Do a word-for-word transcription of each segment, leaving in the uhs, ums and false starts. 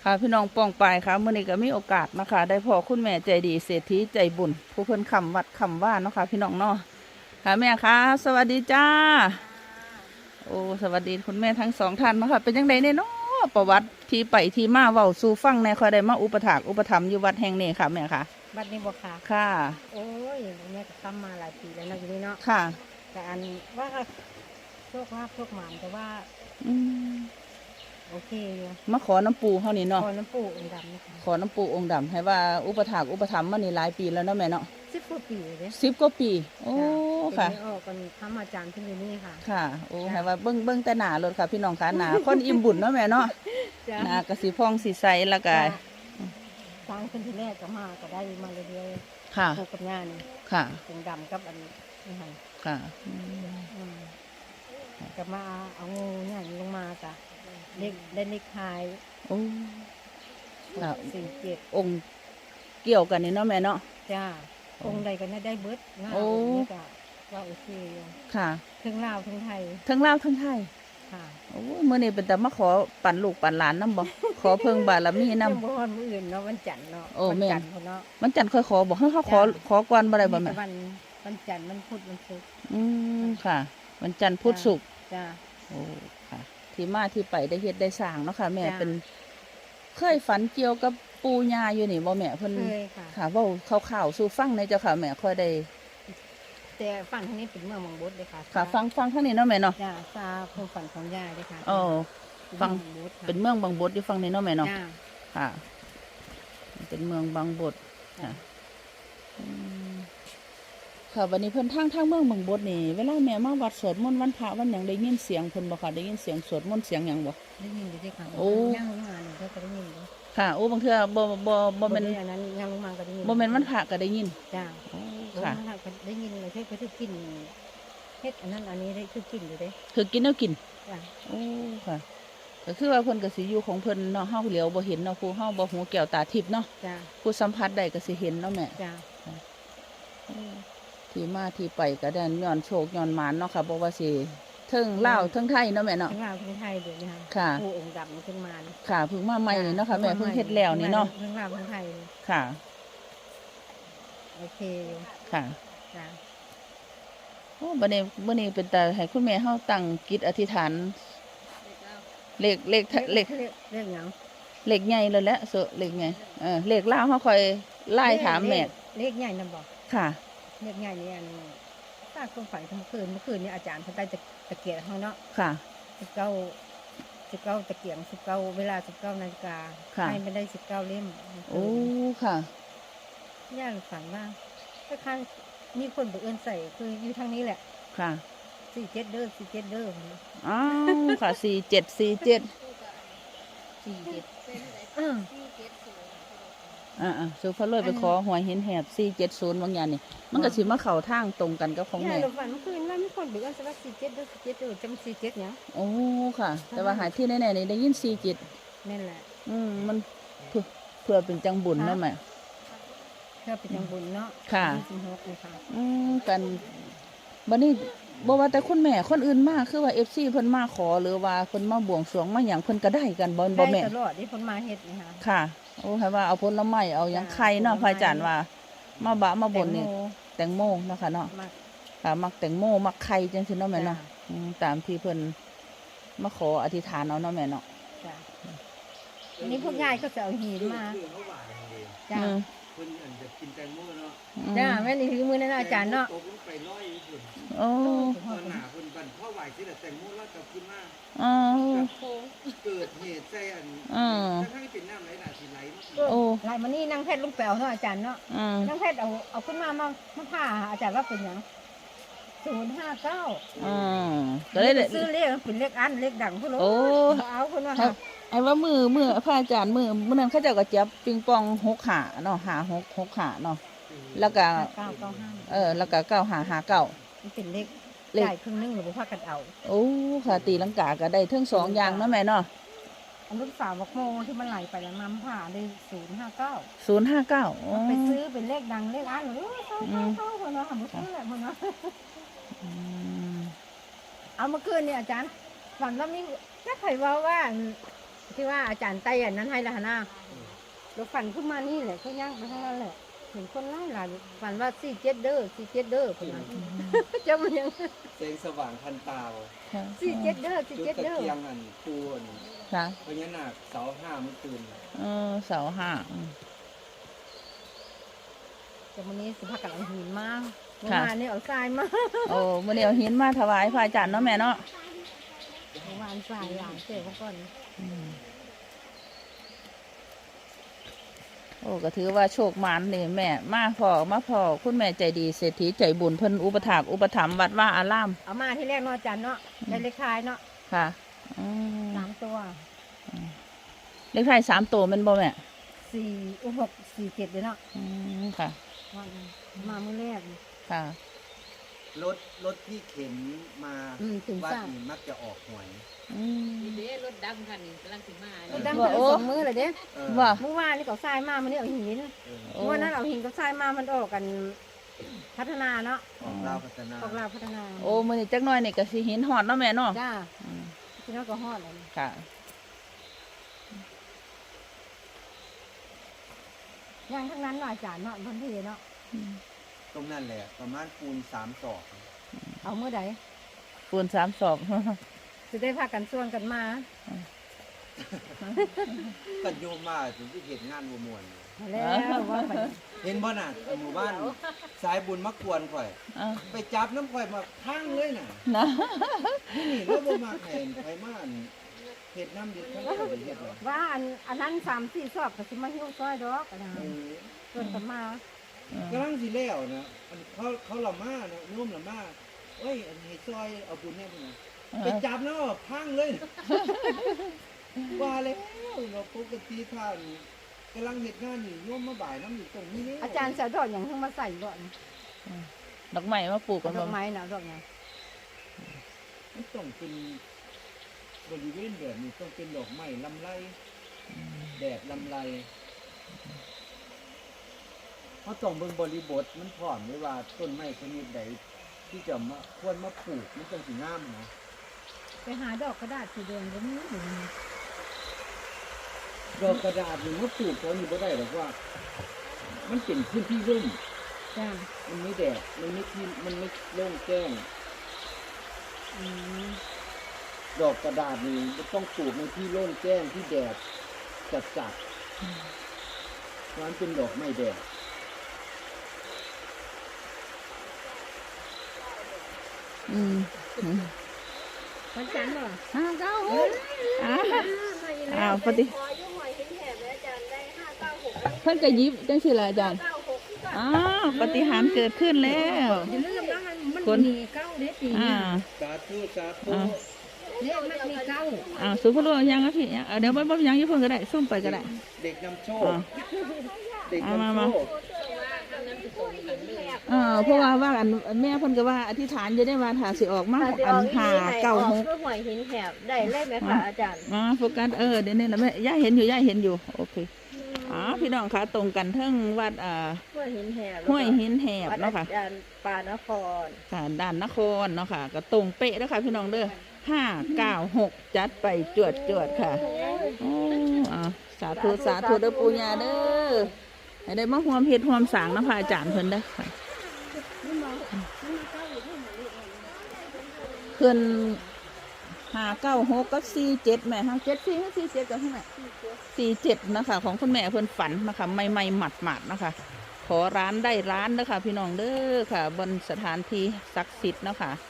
ค่ะพี่น้องป้องปายค่ะเมื่อนี้ก็มีโอกาสนะคะได้พ่อคุณแม่ใจดีเศรษฐีใจบุญผู้เพิ่นคำวัดคำว่าเนาะค่ะพี่น้องเนาะค่ะแม่คะสวัสดีจ้าโอ้สวัสดีคุณแม่ทั้งสองท่านเนาะค่ะเป็นยังไงเนี่ยเนาะประวัติที่ไปที่มาเว้าสู่ฟังในคอยได้มาอุปถากอุปถัมภ์อยู่วัดแห่งนี้ค่ะแม่ค่ะบัดนี้บอกค่ะค่ะโอ้ยแม่ก็ทำมาหลายปีแล้วนะอยู่นี่เนาะค่ะแต่อันว่าโชคลาภโชคหมานแต่ว่าอืมโอเคอยู่มาขอน้ำปูเท่านี้เนาะขอน้ำปูองค์ดำนะคะขอน้ำปูองค์ดำให้ว่าอุปถากอุปถัมภ์มานี่หลายปีแล้วเนาะแม่เนาะสิบกว่าปีเลยสิบกว่าปีโอ้ค่ะเป็นไม่ออกกันทำอาจารย์ที่อยู่นี่ค่ะค่ะโอ้ให้ว่าเบิ้งเบิ้งแต่หนารถค่ะพี่น้องค่ะหนาคนอิ่มบุญเนาะแม่เนาะหนากระสีพองสีใสแล้วก็สร้างขึ้นที่แรกก็มาก็ได้มาเรื่อยๆค่ะปลูกกับงานค่ะองค์ดำกับอันนี้ค่ะค่ะก็มาเอางูเนี่ยลงมาจ้ะเล็กได้เล็กหายโอ้ค่ะสี่เจ็ดองค์เกี่ยวกันนี่เนาะแม่เนาะจ้าองค์ใดก็ได้เบิดงาโอ้ว่าโอเคอยู่ค่ะทั้งลาวทั้งไทยทั้งลาวทั้งไทยค่ะโอ้เมื่อนี้เป็นแต่มาขอปั่นลูกปั่นหลานน้ำบ่ขอเพิ่งบารมีน้ำบ่ฮอดมื้ออื่นเนาะวันจันทร์เนาะโอ้แม่เนาะวันจันทร์ค่อยขอบอกให้เขาขอขอก่อนบ่ได้บ่แม่วันวันจันทร์มันพุธมันศุกร์อืมค่ะวันจันทร์พุธศุกร์จ้าโอ้ค่ะที่มาที่ไปได้เฮ็ดได้สร้างเนาะค่ะแม่เป็นเคยฝันเกี่ยวกับปูญาอยู่นี่บ่แม่เพิ่นค่ะเว้าข่าวๆสู่ฟังในเจ้าค่ะแม่ค่อยได้แต่ฟังทางนี้เป็นเมืองบางบดเลยค่ะค่ะฟังฟังทางนี้เนาะแม่เนาะจ้าซาผู้ฝันของยายเลยค่ะอ๋อฟังเป็นเมืองบางบดอยู่ฟังนี้เนาะแม่เนาะค่ะเป็นเมืองบางบดค่ะค่ะวันนี้เพิ่นทางทางเมืองบางบดนี่เวลาแม่มาวัดสวดมนต์วันพระวันหยังได้ยินเสียงเพิ่นบ่ค่ะได้ยินเสียงสวดมนต์เสียงหยังบ่ได้ยินอยู่ด้วยค่ะโอ้ย่างลงมาหนึ่งเธอก็ได้ยินอยู่ค่ะโอ้บางเทื่อบ่บ่บ่แม่นอันนั้นย่างลงมาก็ได้ยินบ่แม่นวันพระก็ได้ยินจ้าค่ะได้ยินเลยเพื่อคือกินเฮ็ดอันนั้นอันนี้ได้คือกินอยู่เด้คือกินแล้วกินจ้าโอ้ค่ะก็คือว่าเพิ่นก็สิอยู่ของเพิ่นเนาะเฮาเหลียวบ่เห็นเนาะผู้เฮาบ่หูแก้วตาทิพย์เนาะจ้าผู้สัมผัสได้ก็สิเห็นเนาะแม่จ้าที่มาที่ไปก็ได้ย้อนโชคย้อนหมานเนาะค่ะบ่ว่าสิเทิงลาวเทิงไทยเนาะแม่เนาะเทิงลาวเทิงไทยเดี๋ยวนี้ค่ะผู้องค์ดำขึ้นมาค่ะเพิ่งมาใหม่นี่เนาะค่ะแม่เพิ่งเฮ็ดแล้วนี่เนาะเทิงลาวเทิงไทยค่ะโอเคค่ะจ้าโอ้บัดนี้มื้อนี้เป็นตาให้คุณแม่เฮาตั้งจิตอธิษฐานเลขเลขเลขเลขหยังเลขใหญ่เลยแหละเสอะเลขใหญ่เออเลขลาวเฮาค่อยไล่ถามแม่เลขใหญ่นำบ่ค่ะเลขใหญ่นี่อันถ้าคนฝันเมื่อคืนเมื่อคืนนี่อาจารย์เพิ่นได้ตะเกียบเฮาเนาะค่ะสิบเก้าสิบเก้าตะเกียงสิบเก้าเวลาสิบเก้านาฬิกาให้ไม่ได้สิบเก้าเล่มโอ้ค่ะย่าฝันว่าคล้ายๆมีคนบังเอิญใส่คืออยู่ทางนี้แหละค่ะสี่เจ็ดเด้อสี่เจ็ดเด้ออ๋อค่ะสี่เจ็ดสี่เจ็ดสี่เจ็ดอ่าอ่าสุภาพเลยไปขอหวยเห็นแหบสี่เจ็ดศูนย์บางอย่างนี่มันก็สิมาเข่าทางตรงกันกับของแม่ย่าฝันเมื่อคืนว่ามีคนบังเอิญใส่ว่าสี่เจ็ดเด้อสี่เจ็ดเด้อจำสี่เจ็ดเนี่ยโอ้ค่ะแต่ว่าหายที่แน่ๆนี่ได้ยินสี่เจ็ดนั่นแหละอืมมันเพื่อเพื่อเป็นจังบุญนั่นไหมเพื่อเป็นจังบุญเนาะค่ะสิบหกเลยค่ะอืมกันบัดนี้บ่ว่าแต่คุณแม่คนอื่นมาคือว่า เอฟ ซี เพิ่นมาขอหรือว่าเพิ่นมาบวงสรวงมาหยังเพิ่นก็ได้กันบ่บ่แม่ได้ตลอดที่เพิ่นมาเฮ็ดนี่ค่ะค่ะโอ้ให้ว่าเอาผลไม้เอาหยังไข่เนาะพระอาจารย์ว่ามาบะมาบนนี่แตงโมเนาะค่ะเนาะค่ะมักแตงโมมักไข่จังซี่เนาะแม่เนาะตามที่เพิ่นมาขออธิษฐานเอาเนาะแม่เนาะจ้ะอันนี้พวกยายก็จะเอาหินมาจ้ะเพิ่นอันจะกินแตงโมเนาะจ้าแม่นี่ถือมือนั่นอาจารย์เนาะตกลงไปร้อยพุ่นโอ้ตอนหน้าเพิ่นบั่นพ่อไหวสิแต่แตงโมแล้วกลับขึ้นมาอ๋อเกิดเหตุใส่อันทั้งที่เป็นน้ำไหลน่ะสิไหลโอ้ไหลมานี่นั่งเพชรลุงแป๋วเนาะอาจารย์เนาะนั่งเพชรเอาเอาขึ้นมามามาผ่าอาจารย์ว่าเป็นหยังศูนย์ห้าเก้าอ๋อก็ได้ซื้อเลขเป็นเลขอันเลขดังพุ่นโอ้เอาพุ่นว่าไอ้ว่ามือมือพระอาจารย์มือเมื่อนั้นเขาเจ้าก็จับปิงปองหกขาเนาะหาหกหกขาเนาะแล้วก็เก้าเก้าห้าเออแล้วก็เก้าหาหาเก้ามันเป็นเลขเลขครึ่งนึงหรือว่าพากันเอาโอ้ค่ะตีลังกาก็ได้ทั้งสองอย่างเนาะแม่เนาะอันลูกสาวบอกโมที่มันไหลไปแล้วน้ำผ่าได้ศูนย์ห้าเก้าศูนย์ห้าเก้าไปซื้อเป็นเลขดังเลขอันหรือเข้าเข้าเข้าคนเนาะทำซื้อแหละคนเนาะเอาเมื่อคืนเนี่ยอาจารย์ฝันว่ามีแค่ไขว่าว่าที่ว่าอาจารย์ไต้อันนั้นให้ละหน้าเราฝันขึ้นมานี่แหละเขาย่างไปทั้งนั้นแหละเห็นคนไล่หลายฝันว่าสี่เจ็ดเด้อสี่เจ็ดเด้อคนนั้นจะมันยังแสงสว่างทันตาค่ะสี่เจ็ดเด้อสี่จุดเจ็ดตะเด้อเกียงอันปูนค่ะพญานาคเสาห้าเมื่อคืนเออเสาห้าอืมแต่วันนี้สิพากันเอาหินมาเมื่อวานนี่เอาทรายมาโอ้มื้อนี้เอาหินมาถวายพระอาจารย์เนาะแม่เนาะเมื่อวานทรายหลายเจ้าเขาก่อนอืมโอ้ก็ถือว่าโชคหมานนี่แม่มาพอมาพอคุณแม่ใจดีเศรษฐีใจบุญเพิ่นอุปถากอุปถัมภ์วัดว่าอารามเอามาที่แรกเนาะอาจารย์เนาะได้เลขท้ายเนาะค่ะอืมสามตัวเลขท้ายสามตัวแมันบ่แม่สี่อุหกสี่เจ็ดเลยเนาะอืมค่ะว่ามาเมื่อแรกค่ะรถรถที่เข็นมาอืมถึงวัดทราบนี่มักจะออกหวยอืมนี่เด้รถดำคันนี้กำลังถึงมาเราเนี่ยดังว่าไปโอ้สองมือเลยเด้เออว่าเมื่อวานนี่เขาทรายมามันนี่เอาหินเออโอ้เมื่อนั้นเอาหินกับทรายมามันออกกันพัฒนาเนาะออกลาวพัฒนาออกลาวพัฒนาโอ้มื้อนี้จักหน่อยนี่ก็สิหินฮอดเนาะแม่เนาะจ้าอืมพี่น้องก็ฮอดเลยค่ะย่างทั้งนั้นเนาะอาจารย์เนาะพันทีเนาะอืมตรงนั้นแหละประมาณปูนสามศอกเอาเมื่อใดปูนสามศอกจะได้พากันส่วนกันมากันโยมมาถึงที่เห็นงานบัวมวนแล้วว่าไปเห็นบ่น่ะหมู่บ้านสายบุญมากวนข่อยอ่ะไปจับน้ำข่อยมาพังเลยน่ะนะนี่นี่แล้วบ่มาแข่งไผมาอันเฮ็ดน้ำดิบทั้งข่อยได้เฮ็ดเลยว่าอันอันนั้นสามสี่ซอกก็สิมาหิ้วซอยดอกนะเออส่วนกันมากำลังสิแล้วนะอันเขาเขาละมานะโยมละมาเอ้ยอันนี้ซอยเอาบุญแน่พุ่นน่ะไปจับเนาะพังเลยว่าแล้วเราปกติท่านกำลังเฮ็ดงานนี่โยมมาบ่ายน้ำอยู่ตรงนี้นี่อาจารย์เสียดอกอย่างทั้งมาใส่ดอกนะดอกไม้มาปลูกกันดบ่อกไม้นะดอกไงมันต้องเป็นบริเวณแบบนี้ต้องเป็นดอกไม้ลำไรแดดลำไรเพราะต้องเบิ่งบริบทมันพร้อมไว้ว่าต้นไม้ชนิดใดที่จะมาควรมาปลูกมันจังสิงามนะไปหาดอกกระดาษสีแดงก็มีอยู่นี่ดอกกระดาษนี่มาปลูกเขานี่บ่ได้หรอกว่า มันเป็นพื้นที่ร่มจ้ามันไม่แดดมันไม่ที่มันไม่โล่งแจ้งอืมดอกกระดาษนี่มันต้องปลูกในที่โล่งแจ้งที่แดดจัดจัดเพราะมันเป็นดอกไม้แดดอืมอืมวันจันทร์เหรอห้าเก้าหกอ้าวอ้าวปฏิเพิ่นก็หยิบจังสิล่ะอาจารย์อ้าวปฏิหารย์เกิดขึ้นแล้วอย่าลืมนะมันมันคนมีเก้าเด็ดปีอ่าสาธุสาธุอ่าเนี่ยมันมีเก้าอ่าสุภาพบุรุษยังครับพี่ยังเอาเดี๋ยวบ่บ่ยังอยี่เพิ่นก็ได้ซุ่มไปก็ได้เด็กนำโชคอ่าเด็กเอามานำมาโชคเออเพราะว่าว่าอันแม่เพิ่นก็ว่าอธิษฐานจะได้ว่าถ้าสิออกมาอันหาเก้าหกเพื่อหวยหินแถบได้เลขไหมคะอาจารย์มาโฟกัสเออเดี๋ยวนี้แหละแม่ย่าเห็นอยู่ย่าเห็นอยู่โอเคอ๋อพี่น้องคะตรงกันเทั้งวัดอ่าห้วยหินแถบห้วยหินแหบวัดเนาะค่ะอาจารย์ปานครค่ะด้านนครเนาะค่ะก็ตรงเป๊ะแล้วค่ะพี่น้องเด้อห้าเก้าหกจัดไปจวดจวดค่ะโอ้อ่าสาธุสาธุเด้อปูญาเด้อให้ได้มาห่วมเฮ็ดห่วมสร้างนะพระอาจารย์เพิ่นเด้อค่ะเพิ่นห้าเก้าหกกับสี่เจ็ดแม่ห้าเจ็ดสี่ห้าสี่เจ็ดกับเท่าไหร่สี่เจ็ดนะคะของคุณแม่เพิ่นฝันนะคะไม่ไม่หมัดหมัดๆนะคะ ขอร้านได้ร้านนะคะพี่น้องเด้อค่ะ บนสถานที่ศักดิ์สิทธิ์เนาะค่ะ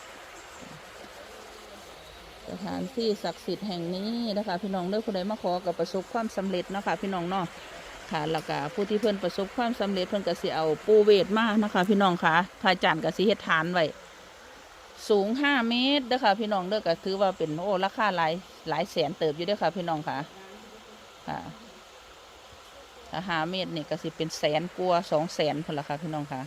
สถานที่ศักดิ์สิทธิ์แห่งนี้นะคะพี่น้องเด้อผู้ใดมาขอกับประสบความสำเร็จเนาะค่ะพี่น้องเนาะค่ะแล้วก็ผู้ที่เพิ่นประสบความสำเร็จเพิ่นก็สิเอาปูเวทมานะคะพี่น้องค่ะพระอาจารย์ก็สิเฮ็ดฐานไว้สูงห้าเมตรเด้อค่ะพี่น้องเด้อก็ถือว่าเป็นโอ้ราคาหลายหลายแสนเติบอยู่เด้อค่ะพี่น้องค่ะค่ะ ถ้าหาเม็ดนี่ก็สิเป็นแสนกว่าสองแสนพนละค่ะพี่น้องค่ะ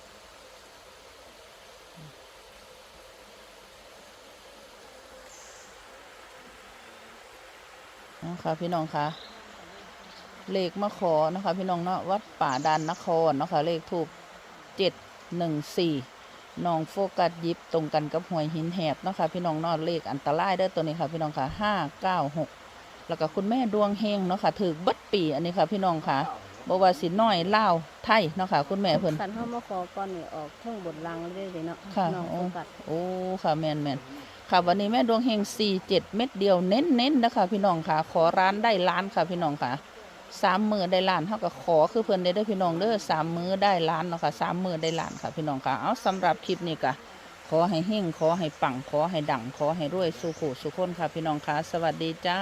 นะคะพี่น้องค่ะเลขมะขอนะคะพี่น้องเนาะวัดป่าดานนครเนาะค่ะเลขถูกเจ็ดหนึ่งสี่น้องโฟกัสยิบตรงกันกับหวยหินแหบเนาะค่ะพี่น้องเนาะเลขอันตรายเด้อตัวนี้ค่ะพี่น้องค่ะห้าเก้าหกแล้วก็คุณแม่ดวงเฮงเนาะค่ะถือบัดปีอันนี้ค่ะพี่น้องค่ะบ่ว่าสิน้อยลาวไทยเนาะค่ะคุณแม่เพิ่นคันเฮามาขอก่อนนี่ออกเทั้งบทลังเลยเด้เนาะค่ะน้องโอ้โฟกัสโอ้ค่ะแม่นแม่นค่ะวันนี้แม่ดวงเฮงสี่เจ็ดเม็ดเดียวเน้นเน้นๆนะคะพี่น้องค่ะ ขอร้านได้ล้านค่ะพี่น้องค่ะสามมือได้ล้านเท่ากับขอคือเพิ่นได้เด้อพี่น้องเด้อสามมือได้ล้านเนาะค่ะสามมือได้ล้านค่ะพี่น้องค่ะเอาสำหรับคลิปนี้ก็ขอให้เฮงขอให้ปังขอให้ดังขอให้รวยสุขุสุขคนค่ะพี่น้องค่ะสวัสดีจ้า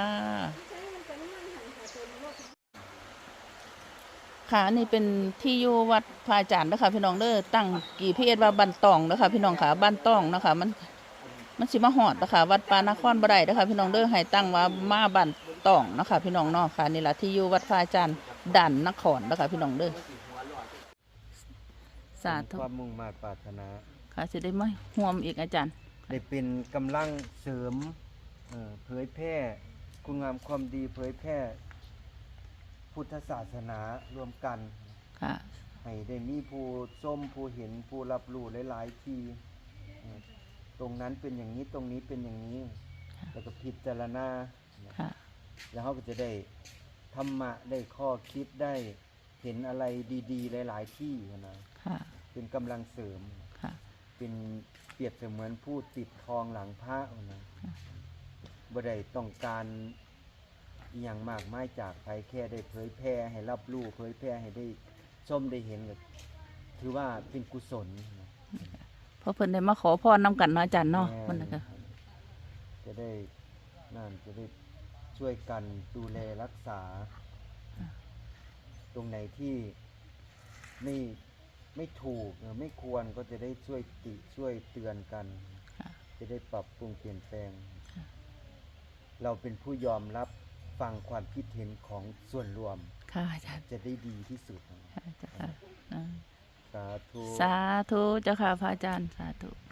ค่ะอันนี่เป็นที่อยู่วัดพระอาจารย์นะคะพี่น้องเด้อตั้งกี่พีเอสว่าบ้านตองนะคะพี่น้องค่ะบ้านตองนะคะมันมันสิมาหอดนะคะวัดปานครบ่ได้นะคะพี่น้องเด้อให้ตั้งว่ามาบ้านตองนะคะพี่น้องเนาะค่ะนี่แหละที่อยู่วัดพระอาจารย์ด่านนครนะคะพี่น้องเด้อสาธุความมุ่งมา่ปรารถนาค่ะจะได้มาห่วมอีกอาจารย์ได้เป็นกำลังเสริมเอ่อเผยแพร่คุณงามความดีเผยแพร่พุทธศาสนารวมกันค่ะให้ได้มีผู้ส้มผู้เห็นผู้รับรู้หลายๆทีเอ่อตรงนั้นเป็นอย่างนี้ตรงนี้เป็นอย่างนี้ แล้วก็พิจารณาค่ะแล้วเขาก็จะได้ธรรมะได้ข้อคิดได้เห็นอะไรดีๆหลายๆที่นะค่ะเป็นกำลังเสริมค่ะเป็นเปรียบเสมือนผู้ติดทองหลังพระนะบ่ได้ต้องการอหย่างมากมายจากใครแค่ได้เผยแพร่ให้รับรู้เผยแพร่ให้ได้ชมได้เห็นก็ถือว่าเป็นกุศลนะเพราะเพิ่นได้มาขอพรนำกันเนาะอาจารย์เนาะแม่มันนะคะจะได้นั่นจะได้ช่วยกันดูแลรักษา ตรงไหนที่ไม่ไม่ถูกหรือไม่ควรก็จะได้ช่วยติช่วยเตือนกันค่ะจะได้ปรับปรุงเปลี่ยนแปลง เราเป็นผู้ยอมรับฟังความคิดเห็นของส่วนรวมค่ะอาจารย์จะได้ดีที่สุดค่ะอาจารย์ค่ะสาธุสาธุเจ้าค่ะพระอาจารย์สาธุ